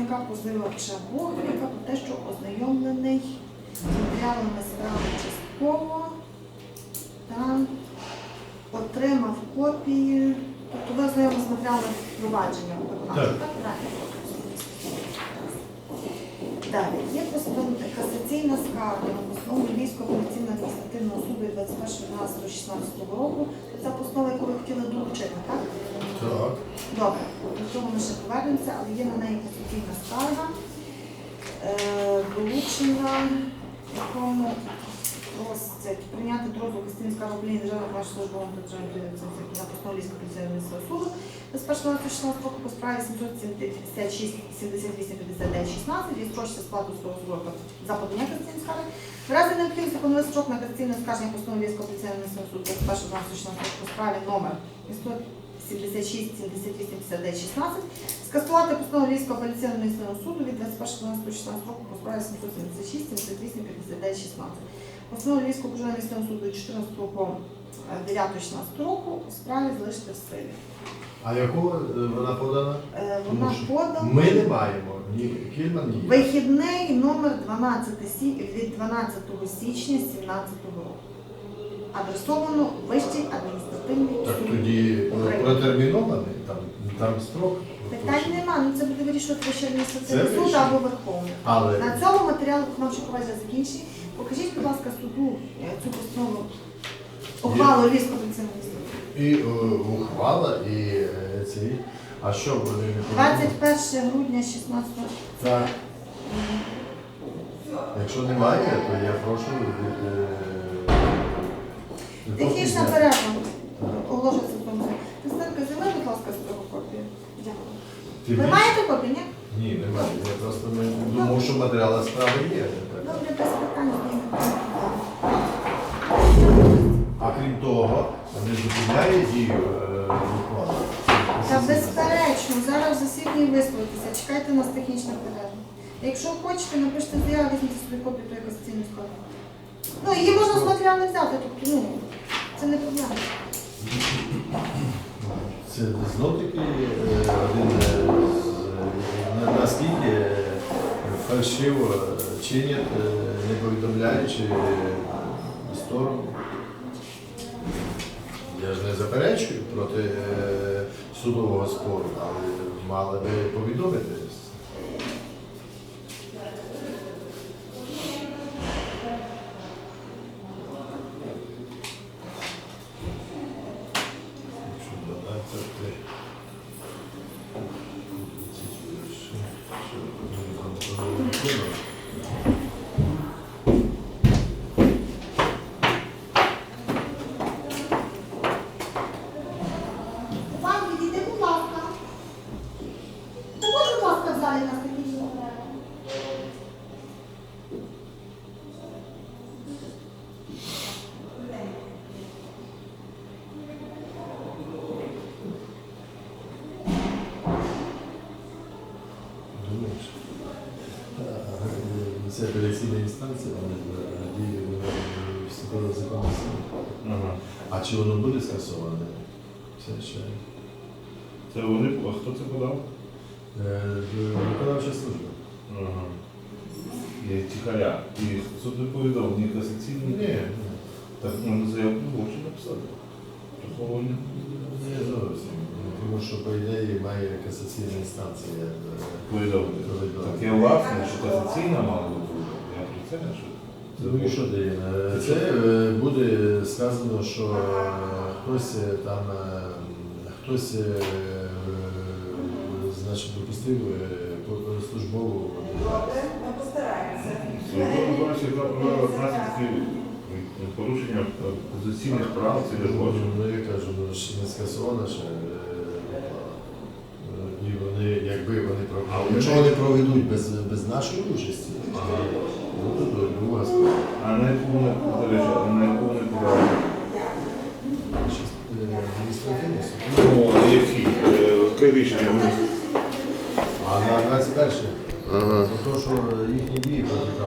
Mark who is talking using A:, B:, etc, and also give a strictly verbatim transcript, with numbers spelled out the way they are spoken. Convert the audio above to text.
A: представника позивача Богріка про те, що ознайомлений з матеріалами справи частково та отримав копії, тобто ви ознайомилися з матеріалами провадження виконавчого, так? Правильно. Далі, є касаційна скарга на постанову Львівського апеляційно-адміністративного суду від двадцять першого дванадцятого шістнадцятого року. Це постанова, яку ви хотіли долучити, так?
B: Так.
A: Добре, до цього ми ще повернемося, але є на неї касаційна скарга, е, долучена, якому просять прийняти до розгляду касаційної скарги управління державного виконавчого службового та державної на постанову Львівського апеляційно-адміністративного суду з першого шістнадцятого року по справі сімсот сімдесят шість сімдесят вісім п'ятдесят дев'ять шістнадцять відстрочиться сплату судового строку за подання касаційної скарги. В разі необхідності поновити строк на касаційне оскарження постанови Львівського апеляційно-адміністративного суду з першого дванадцятого шістнадцятого року по справі номер сімсот сімдесят шість сімдесят вісім п'ятдесят дев'ять шістнадцять скасувати постанову Львівського апеляційно-адміністративного суду від двадцять першого дванадцятого шістнадцятого року по справі сімсот сімдесят шість сімдесят вісім п'ятдесят дев'ять шістнадцять. Постанову Львівського апеляційного суду від чотирнадцятого по дев'яте шістнадцятого року у справі залишити в силі.
B: А яку вона подана?
A: Е, Вона подана.
B: Ми не маємо ні Кільман, ні.
A: Вихідний номер дванадцяте від дванадцятого січня сімнадцятого року. Адресовано Вищий адміністративний суд.
B: Так тоді протермінований, там, там строк.
A: Питань нема, ну це буде вирішувати Вищий адміністративний
B: Це
A: суд
B: вирішує.
A: або Верховний.
B: Але
A: На цьому матеріал виконавчого провадження закінчені. Покажіть, будь ласка, суду е, цю постанову ухвалу Львівського апеляційного суду.
B: і е, ухвала, і е, ці. А що вони не
A: двадцять перше грудня шістнадцятого.
B: Так. Якщо немає, то я прошу. Е, е,
A: Технічна перерва. Оголошується в тому. Представка, займи, будь ласка, з цього копію. Дякую.
B: Ти
A: Ви
B: більш-
A: маєте копію, ні?
B: Ні, немає. Я просто не думав, що матеріали справи є.
A: Добре, без питань.
B: А крім того, не зупиняє дію е, ухвали.
A: Та безперечно, зараз в засіданні висловитися. Чекайте нас технічна перерва. Якщо хочете, напишіть заяву, візьміть собі копію тої касаційної скарги. Ну, її можна з матеріалу взяти, тобто, ну, це не проблема.
B: Це знов таки е, один е, з- на- наскільки е, фальшиво чинять, е, не повідомляючи сторону. Я ж не заперечую проти е, судового спору, але мали би повідомити. Якщо додати,
A: Вам відійди, будь ласка. Та будь, будь ласка, в залі нас технічна перерва.
B: думаєш? А, Це апеляційна інстанція, вони діє в судовому законі.
C: Ага.
B: А чи воно буде скасоване? Це ще
C: Це вони, а хто це подав?
B: е, виконавча служба.
C: Ага. Є тихаря. І суд не повідомив, ні касаційний.
B: Ні,
C: Так можна заявку можна написати. Приховування.
B: не зовсім. Тому що, по ідеї, має касаційна інстанція. е,
C: Повідомити.
B: Повідомити.
C: Так я власне, що касаційна мала бути. Я про це не що.
B: Ну і що дає? Е, Це е, буде сказано, що е, хтось е, там, е, хтось е, е, значить, допустив е, по- службову.
D: Ми постараємося.
C: Службова бачить наслідки порушення позиційних прав це не злочин.
B: Ну, я кажу, ну, ще не скасована ще. е, І вони, якби вони провели. Якщо вони проведуть без, без нашої участі, ну, то друга справа.
C: А на яку вони, до речі, а на яку вони подали?
B: Адміністративний суд.
C: Ну, які? Яке рішення? Вони
B: А на двадцять перше, ага. То, що їхні дії проти